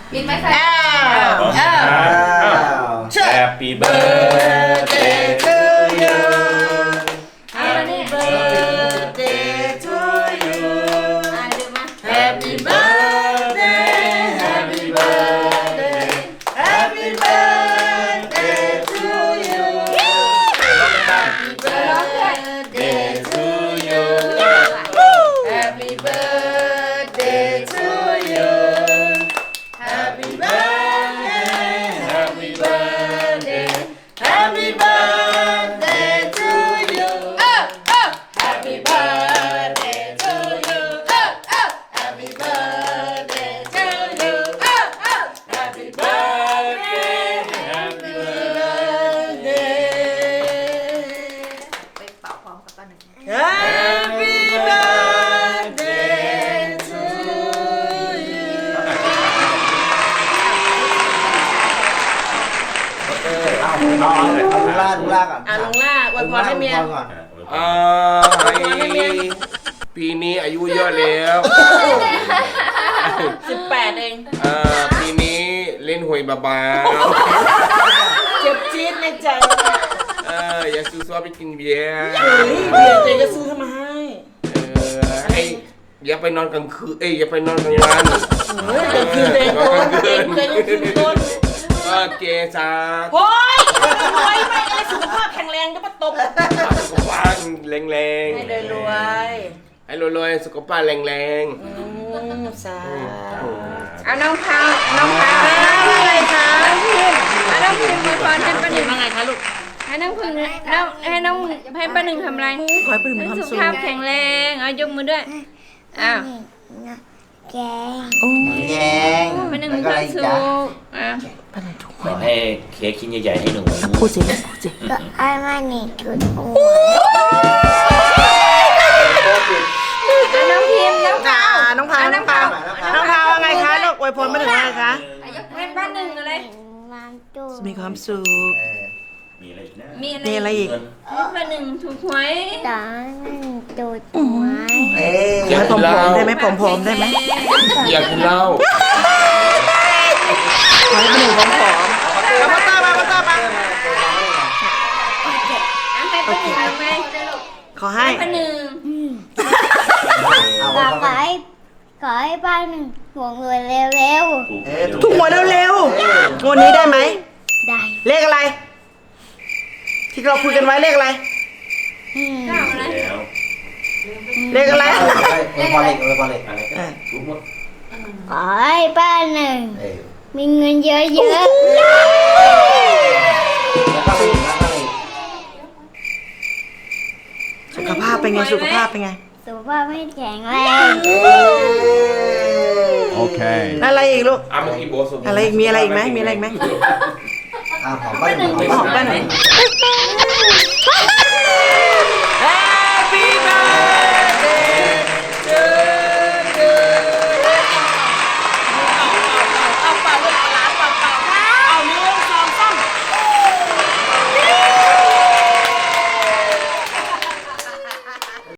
ปิดไหมคะ Happy birthday to you Happy birthday to you ดูมา Happy birthday Happy birthday Happy birthday to you Happy birthday to you Happy birthday to you Happy birthday Happy birthday Happy birthday to you Happy birthday to you Happy birthday to you Happy birthday Happy birthday ไปเป่าพร้อมกันหนึ่ง Happy birthday to you เอาลุงล่าก่อนลุงล่าอวยพรให้เมียก่อนปีนี้อายุเยอะแล้ว 18 เองปีนี้เล่นหวยเบาเจ็บจี๊ดในใจๆอย่าซื้อซัวไปกินเบียร์เฮ้ยเบียร์เจก็ซื้อมาให้ให้อย่าไปนอนกลางคืนอย่าไปนอนกลางวันเฮ้ยกลางคืนเจโดนเจกลางคืนโดนเกซ่าโอ้ยรวยไม่อะไรสุขภาพแข็งแรงก็มาตบสุขภาพแรงๆให้รวยให้รวยๆสุขภาพแรงสาเอาน้องพาวน้องพาวอะไรคะน้องพิมพ์อวยพรให้ป้าหนึ่งว่าไงคะลูกให้น้องพึ่งให้ป้าหนึ่งทำอะไรขอให้ปลื้มมีความสุสุขขภาพแข็งแรงเอายกมือด้วยอ้าวแยงป้าหนึ่งมีความสุขอ้าวขอให้เค้กชิ้นใหญ่ๆให้หนูพูดสิพูดสิไอ้มานี่จุดหัวเอาน้องพิมพ์น้องพาวน้องพาวน้องพาวน้องพาวว่าไงคะลูกอวยพรมาถึงว่าไงคะให้ป้าหนึ่งอะไรมันจุดมีความสุขมีอะไรอีกนะมีอะไรมีอะไรอีกให้ป้าหนึ่งถูกหวยตามันจุดหัวๆอยากกินเหล้าได้ไหมผมได้ไหมอยากกินเหล้าขอให้เป็นหนึ่งผอมแล้วพ่อตามาพ่อตามาเอาให้ป้าหนึ่งทำไงขอให้ป้าหนึ่งขอให้บ้านหนึ่งห่วงรวยเร็วถูกหวยเร็วๆวันนี้ได้ไหมๆได้เลขอะไร ที่เราคุยกันไว้เลขอะไรเก้าอะไรแล้วเลขอะไรพอเล็กอะไรก็ทุกหมดขอให้บ้านหนึ่งมีเงินเยอะสุขภาพเป็นไงสุขภาพเป็นไงๆสุขภาพไม่แข็งแรง Okay. อะไรอีกลูกเมื่อกี้โบสุอะไรอีกมีอะไรอีกไหมมีอะไรอีกไหมหอมบ้านหนึ่งหอมบ้านหนึ่ง